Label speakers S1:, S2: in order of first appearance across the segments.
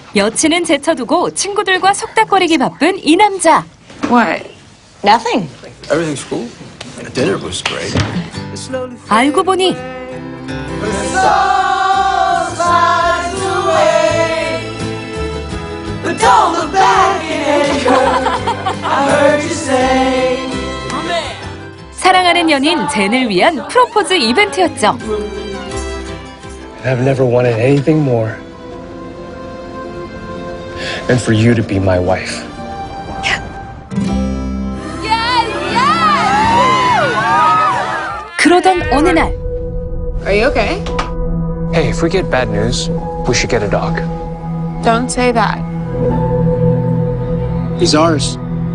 S1: 여친은 제쳐두고 친구들과 속닥거리기 바쁜 이 남자.
S2: What?
S3: Nothing.
S4: Everything's cool. The dinner was great.
S1: 알고 보니 사랑하는 연인 젠을 위한 프로포즈 이벤트였죠.
S5: I've never wanted anything more than for you to be my wife.
S1: 그러던 어느 날
S2: Are you okay?
S5: Hey, if we get bad news, we should get a dog.
S2: Don't say that.
S5: He's ours.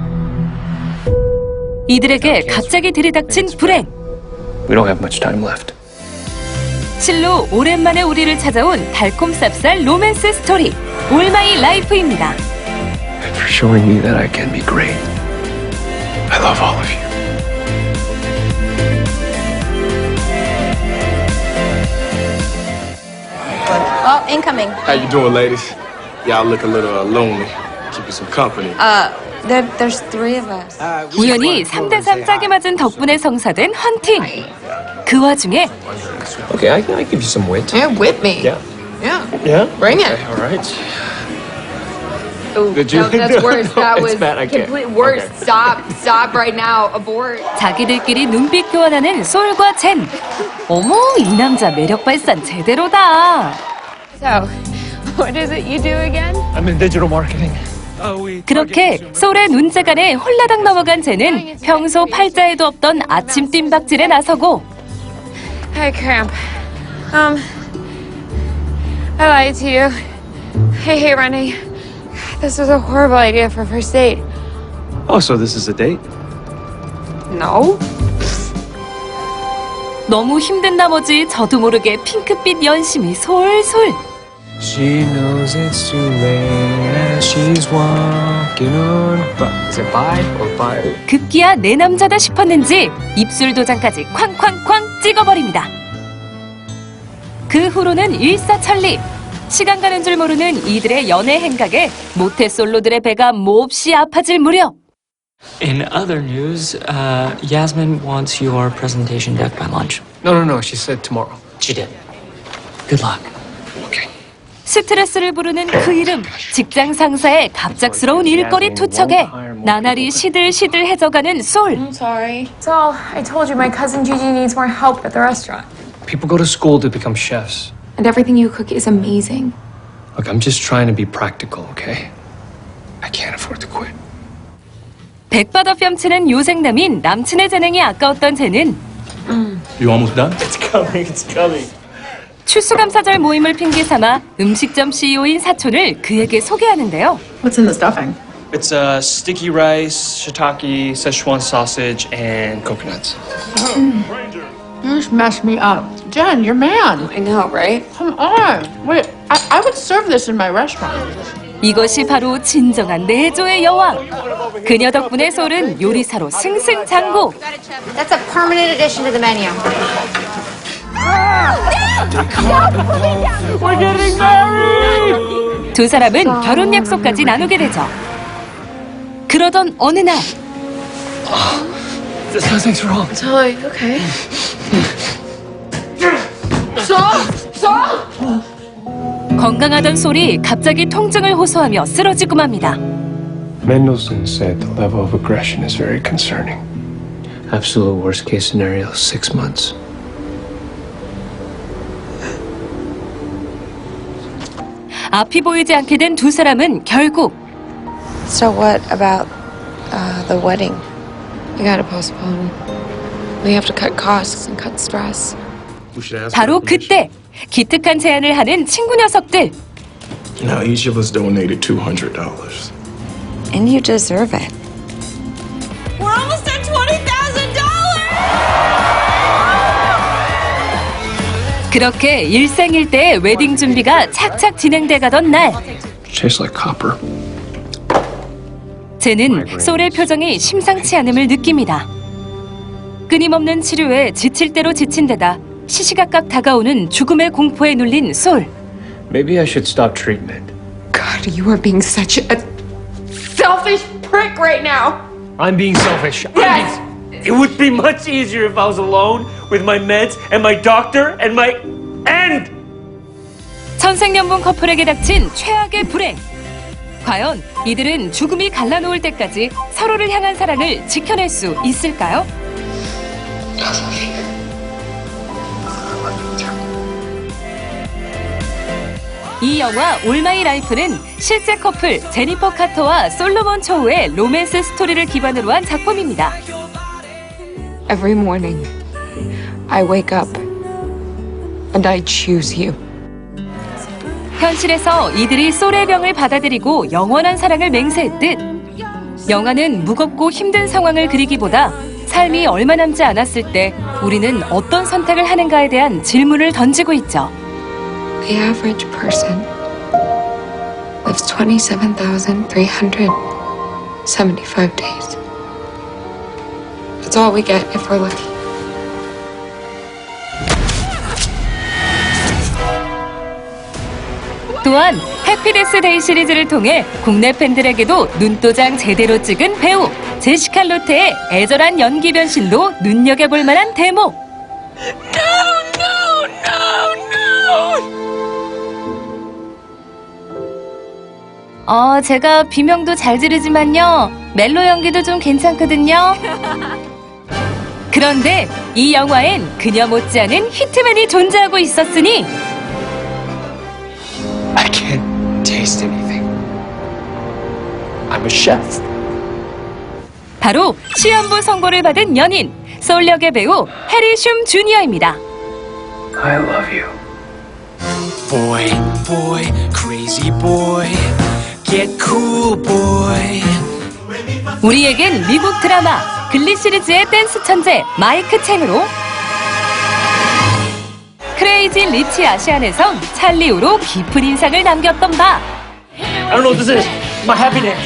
S1: 이들에게 갑자기 들이닥친 불행.
S5: We don't have much time left.
S1: 실로 오랜만에 우리를 찾아온 달콤 쌉쌀 로맨스 스토리 올 마이 라이프입니다.
S5: And for showing me that I can be great. I love all of you.
S3: Well, incoming.
S4: How you doing, ladies? Y'all look a little lonely. Keep you some company.
S3: There's three of us.
S1: 우연히 3대3 짝이 맞은 덕분에 성사된 헌팅. 그 와중에
S5: Okay, I give you some wit.
S2: Yeah, whip me.
S5: Yeah.
S2: Yeah.
S5: Yeah?
S2: Bring it.
S5: All right.
S2: Ooh,
S5: Did you-
S2: that's worse.
S5: No,
S2: That
S5: it's
S2: was
S5: bad. I can't.
S2: complete worse.
S5: Okay.
S2: Stop right now. Abort.
S1: 자기들끼리 눈빛 교환하는 솔과 젠. 어머, 이 남자 매력 발산 제대로다.
S2: So, what is it you do again?
S5: I'm in digital marketing.
S1: 그렇게 솔의 눈재간에 홀라당 넘어간 젠은 평소 팔자에도 없던 아침 뜀박질에 나서고
S2: Hi, Cramp. I lied to you. Hey, Rennie. This was a horrible idea for first date.
S5: Oh, so this is a date?
S2: No.
S1: 너무 힘든 나머지 저도 모르게 핑크빛 연심이 솔솔.
S5: She knows it's too late as she's walking on. Is it bye or bye?
S1: 급기야 내 남자다 싶었는지 입술 도장까지 쾅쾅쾅 찍어버립니다. 그 후로는 일사천리. 시간 가는 줄 모르는 이들의 연애 행각에 모태솔로들의 배가 몹시 아파질 무렵.
S6: In other news, Yasmin wants your presentation deck by lunch.
S5: No. She said tomorrow.
S6: She did. Good luck.
S5: Okay.
S1: 스트레스를 부르는 그 이름, 직장 상사의 갑작스러운 일거리 투척에 나날이 시들시들해져가는 솔.
S2: I'm sorry. So, I told you my cousin Gigi needs more help at the restaurant.
S5: People go to school to become chefs.
S2: And everything you cook is amazing.
S5: Look, I'm just trying to be practical, okay? I can't afford to quit.
S1: 백바다 뺨치는 요생남인 남친의 재능이 아까웠던 쟤는
S4: You almost done?
S5: It's coming.
S1: 추수감사절 모임을 핑계 삼아 음식점 CEO인 사촌을 그에게 소개하는데요.
S7: What's in the stuffing?
S5: It's sticky rice, shiitake, Szechuan sausage, and coconuts.
S7: You just messed me up. Jen, you're man.
S2: I know, right?
S7: Come on. Wait, I would serve this in my restaurant.
S1: 이것이 바로 진정한 내조의 여왕. 그녀 덕분에 솔은 요리사로 승승장구.
S3: That's a permanent addition to the menu.
S1: 두 사람은 결혼 약속까지 나누게 되죠. 그러던 어느 날
S5: Something's wrong.
S2: Totally okay.
S1: 건강하던 솔이 갑자기 통증을 호소하며 쓰러지고 맙니다.
S5: Mendelssohn said the level of aggression is very concerning. Absolute worst case scenario, 6 months.
S1: 앞이 보이지 않게 된 두 사람은 결국
S2: So what about the wedding? We gotta postpone. We have to cut costs and cut stress.
S4: We should ask
S1: 바로
S4: for
S1: 그때
S4: permission.
S1: 기특한 제안을 하는 친구 녀석들.
S4: Now each of us donated $200.
S2: And you deserve it.
S3: We're almost at $20,000!
S1: 그렇게 일생일대의 웨딩 준비가 착착 진행돼 가던 날
S5: Tastes like copper.
S1: 쟤는 솔의 표정이 심상치 않음을 느낍니다. 끊임없는 치료에 지칠 대로 지친 데다 시시각각 다가오는 죽음의 공포에 눌린 솔.
S5: Maybe I should stop treatment.
S2: God, God, you are being such a selfish prick right now.
S5: I'm being selfish.
S2: Yes.
S8: It would be much easier if I was alone with my meds and my doctor and my end.
S1: 천생연분 커플에게 닥친 최악의 불행. 과연 이들은 죽음이 갈라놓을 때까지 서로를 향한 사랑을 지켜낼 수 있을까요? 이 영화 올 마이 라이프는 실제 커플 제니퍼 카터와 솔로몬 초우의 로맨스 스토리를 기반으로 한 작품입니다.
S2: Every morning, I wake up and I choose you.
S1: 현실에서 이들이 솔의 병을 받아들이고 영원한 사랑을 맹세했듯 영화는 무겁고 힘든 상황을 그리기보다 삶이 얼마 남지 않았을 때 우리는 어떤 선택을 하는가에 대한 질문을 던지고 있죠.
S2: The average person lives 27,375 days. That's all we get if we're lucky.
S1: 또한 해피데스 데이 시리즈를 통해 국내 팬들에게도 눈도장 제대로 찍은 배우 제시카 로테의 애절한 연기 변신도 눈여겨볼 만한 대목. 제가 비명도 잘 지르지만요. 멜로 연기도 좀 괜찮거든요. 그런데 이 영화엔 그녀 못지않은 히트맨이 존재하고 있었으니
S5: I can't taste anything. I'm a chef.
S1: 바로 시험부 선고를 받은 연인 소울 역의 배우 해리 슘 주니어입니다.
S5: I love you.
S9: Boy, boy, crazy boy, get cool, boy.
S1: 우리에겐 미국 드라마 글리 시리즈의 댄스 천재 마이크 챙으로 크레이지 리치 아시안에선 찰리우로 깊은 인상을 남겼던 바
S8: I don't know what this is. My happiness.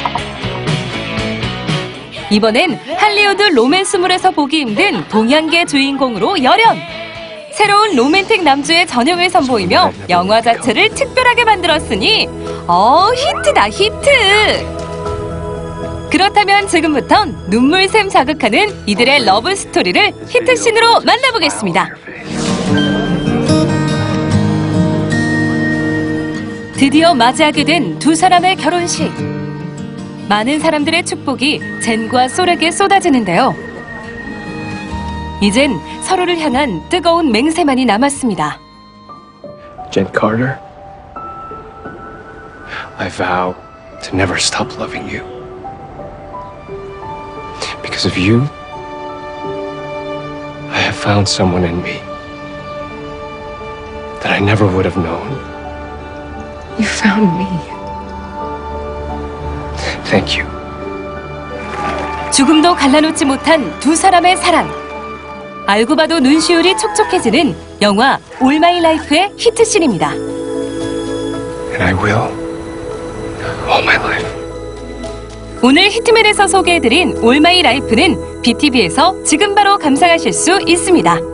S1: 이번엔 할리우드 로맨스물에서 보기 힘든 동양계 주인공으로 열연 새로운 로맨틱 남주의 전형을 선보이며 영화 자체를 특별하게 만들었으니 히트다 히트. 그렇다면 지금부턴 눈물샘 자극하는 이들의 러브 스토리를 히트씬으로 만나보겠습니다. 드디어 맞이하게 된 두 사람의 결혼식. 많은 사람들의 축복이 젠과 솔에게 쏟아지는데요. 이젠 서로를 향한 뜨거운 맹세만이 남았습니다.
S5: Jen Carter, I vow to never stop loving you. Because of you, I have found someone in me that I never would have known.
S2: You found me.
S5: Thank you.
S1: 죽음도 갈라놓지 못한 두 사람의 사랑. 알고 봐도 눈시울이 촉촉해지는 영화 올 마이 라이프의 히트씬입니다.
S5: And I will all my life.
S1: 오늘 히트맨에서 소개해드린 올 마이 라이프는 BTV에서 지금 바로 감상하실 수 있습니다.